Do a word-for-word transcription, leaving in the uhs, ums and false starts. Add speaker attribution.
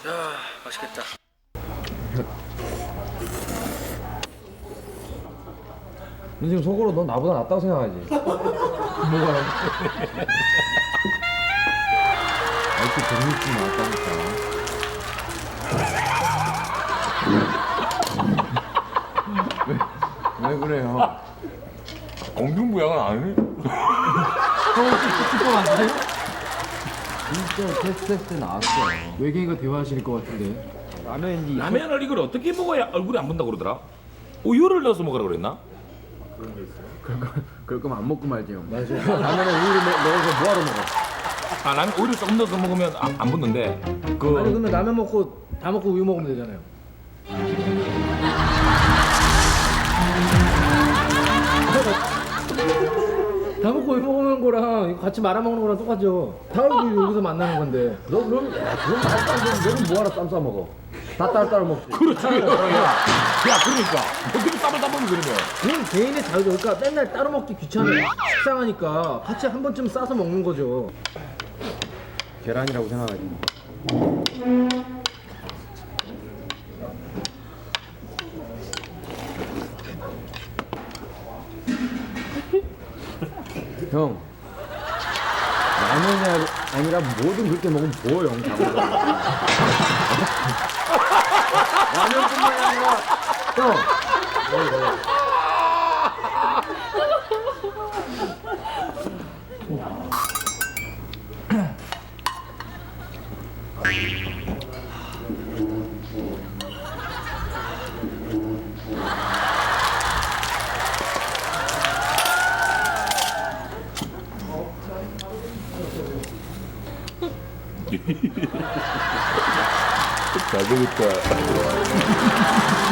Speaker 1: 야, 맛있겠다.
Speaker 2: 너 지금 속으로 넌 나보다 낫다고 생각하지? 뭐가? 이렇게 재밌지 나왔다니까. 왜, 왜 그래요?
Speaker 3: 공중부양은 아니?
Speaker 2: 형 혹시 축구 맞아요? 진짜 테스트 때 나왔어. 외계인과 대화하실 것 같은데. 라면인지.
Speaker 3: 라면을 이걸 어떻게 먹어야 얼굴이 안 본다고 그러더라? 우유를 넣어서 먹으라 그랬나?
Speaker 2: 그럴 거면 안 먹고 말지 형. 맞아. 라면에 우유를 넣- 넣어서 뭐하러 먹어?
Speaker 3: 아 라면 우유를 조금 넣어서 먹으면 아, 안 붙는데 그
Speaker 2: 아니 그러면 라면 먹고 다 먹고 우유 먹으면 되잖아요. 다 먹고 우유 먹는 거랑 이거 같이 말아 먹는 거랑 똑같죠. 다음 여기서 만나는 건데. 너 그럼 야, 그럼 말도 안 되는 너는 뭐하러 쌈 싸 먹어? 다 따로따로 먹지.
Speaker 3: 그렇지. 야, 야 그러니까 어떻게 쌈을 싸먹니 그러면?
Speaker 2: 그건 개인의 자유죠. 그러니까 맨날 따로 먹기 귀찮아. 식상하니까 같이 한 번쯤 싸서 먹는 거죠. 계란이라고 생각하지. 형, 라면이 아니라 뭐든 그렇게 먹으면 뭐 형. 라면뿐만 아니라 형.
Speaker 3: 잘 되겠다.